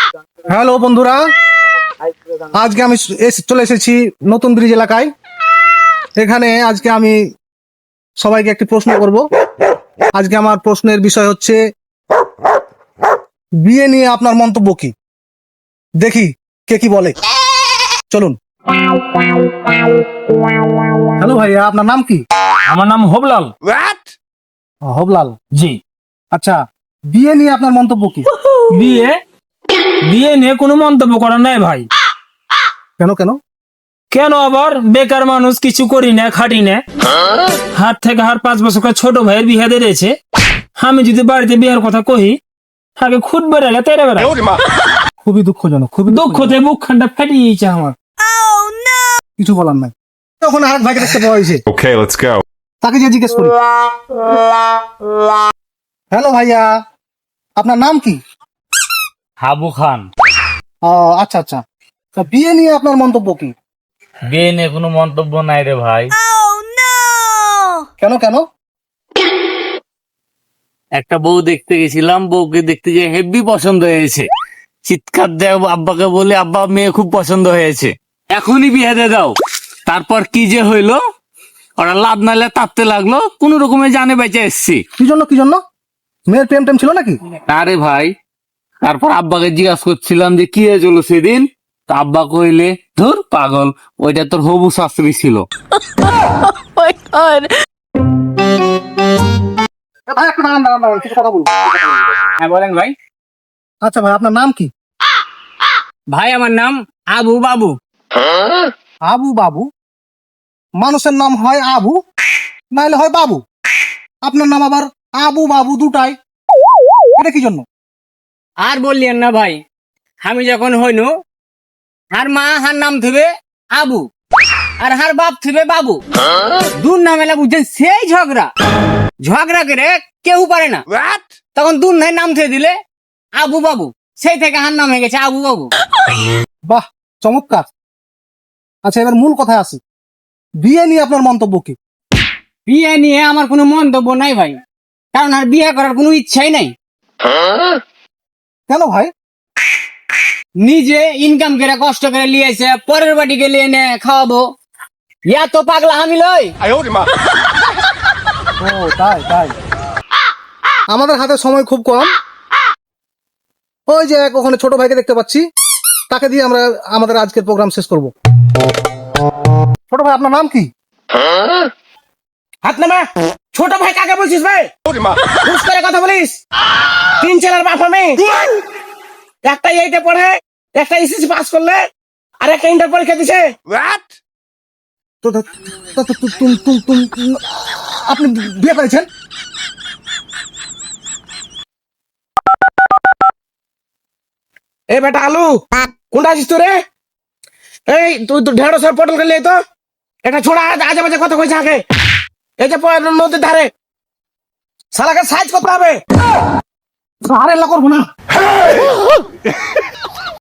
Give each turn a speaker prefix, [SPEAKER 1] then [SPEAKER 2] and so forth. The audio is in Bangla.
[SPEAKER 1] হ্যালো বন্ধুরা, আজকে আমি চলে এসেছি নতুন ব্রিজ এলাকায়। এখানে আজকে আমি সবাইকে একটি প্রশ্ন করব। আজকে আমার প্রশ্নের বিষয় হচ্ছে বিয়ে নিয়ে আপনার মন্তব্য কি। দেখি কে কি বলে। চলুন। হ্যালো ভাইয়া, আপনার নাম কি?
[SPEAKER 2] আমার নাম হবলাল।
[SPEAKER 1] হবলাল
[SPEAKER 2] জি।
[SPEAKER 1] আচ্ছা, বিয়ে নিয়ে আপনার মন্তব্য কি?
[SPEAKER 2] বিয়ে বিয়ে নিয়ে কোনো মন্তব্য করার নাই ভাই।
[SPEAKER 1] কেন কেন?
[SPEAKER 2] কেন আবার? বেকার মানুষ, কিছু করি না, খাটি না। হাত থেকে হার 5 বছর ছোট ভাইয়ের বিয়ে দিয়েছে। আমি যদি বাড়িতে বিয়ের কথা কহি, আগে খুদ বেড়ালে তেরে বেড়া।
[SPEAKER 1] খুবই দুঃখজনক, খুবই
[SPEAKER 2] দুঃখতে বুক খানটা ফাটিয়েছে আমার।
[SPEAKER 1] কিছু বলার নাই। তখন আরেক ভাইকে দেখতে পাওয়া হয়েছে।
[SPEAKER 3] Okay, let's go.
[SPEAKER 1] তাকে যে জিজ্ঞেস করি। হ্যালো ভাইয়া, আপনার নাম কি?
[SPEAKER 4] হাবু খান।
[SPEAKER 1] আচ্ছা আচ্ছা, তা বিয়ে নিয়ে আপনার মন্তব্য কি?
[SPEAKER 4] বিয়ে নিয়ে কোনো মন্তব্য নাই রে ভাই।
[SPEAKER 1] কেন কেন?
[SPEAKER 4] একটা বউ দেখতে গেছিলাম, বউকে দেখতে যে হেভি পছন্দ হয়েছে। চিৎকার দেয় আব্বাকে বলে, আব্বা মেয়ে খুব পছন্দ হয়েছে, এখনই বিয়ে দিয়ে দাও। তারপর কি যে হইলো, ওরা লাভ নালে তাপতে লাগলো, কোন রকমে জানে বেঁচে এসছি।
[SPEAKER 1] কি জন্য কি জন্য? মেয়ের প্রেম টেম ছিল নাকি?
[SPEAKER 4] আরে ভাই, তারপর আব্বাকে জিজ্ঞাসা করছিলাম যে কি হয়েছিল সেদিন। তা আব্বা কইলে, ধুর পাগল, ওইটা তোর হবু শাস্ত্রী ছিল।
[SPEAKER 1] ভাই একটু দাঁড়ান দাঁড়ান দাঁড়ান, কিছু কথা বলবো।
[SPEAKER 4] হ্যাঁ বলেন ভাই।
[SPEAKER 1] আচ্ছা ভাই, আপনার নাম কি?
[SPEAKER 4] ভাই আমার নাম আবু বাবু।
[SPEAKER 1] আবু বাবু? মানুষের নাম হয় আবু, নাইলে হয় বাবু। আপনার নাম আবার আবু বাবু দুটাই, এটা কি জন্য?
[SPEAKER 4] আর বললেন না ভাই, আমি যখন হইনু, হার মা হার নাম থিবে আবু, আর হার বাপ থিবে বাবু। দুর নাম এলা বুঝছেন, সেই ঝগড়া ঝগড়া করে কেউ পারে না। তখন দুর নাই নাম থুয়ে দিলে আবু বাবু, সেই থেকে হার নাম হয়ে গেছে আবু বাবু।
[SPEAKER 1] বাহ, চমৎকার। আচ্ছা, এবার মূল কথায় আসি। বিয়ে নিয়ে আপনার মন্তব্য কি?
[SPEAKER 4] বিয়ে নিয়ে আমার কোনো মন্তব্য নাই ভাই, কারণ আর বিয়ে করার কোনো ইচ্ছাই নাই।
[SPEAKER 1] কেন ভাই?
[SPEAKER 4] নিজে ইনকাম করে কষ্ট করে লিয়েছে, পরের বাড়িকে লিয়ে নে খাওয়াবো, ইয়া তো পাগলা আমি লই।
[SPEAKER 1] ও তাই তাই। আমাদের হাতে সময় খুব কম। ওই যে ওখানে ছোট ভাইকে দেখতে পাচ্ছি, তাকে দিয়ে আমরা আমাদের আজকের প্রোগ্রাম শেষ করব। ছোট ভাই, আপনার নাম কি?
[SPEAKER 2] হাত নামা। ছোট ভাই কাকে বলছিস ভাই? বুঝ করে কথা বলিস। 3 ছেলের বাপ আমি। একটা 8-এ পড়ে, একটা এসএসসি পাস করলে, আর একটা ইন্টার পরীক্ষা দিছে।
[SPEAKER 1] তো- তো- তো- তো- তো- আপনি বিয়ে করেছেন?
[SPEAKER 2] এ বেটা আলু, কোনটা আছিস তোরে? এই তুই তো ঢেঁড়স আর পটল খেলে তো এটা ছোড়া আজে বাজে কথা কইছে আগে। এই যে নদীর ধারে শালাকে সাইজ করতে হবে।
[SPEAKER 1] আরে এলা করবো না।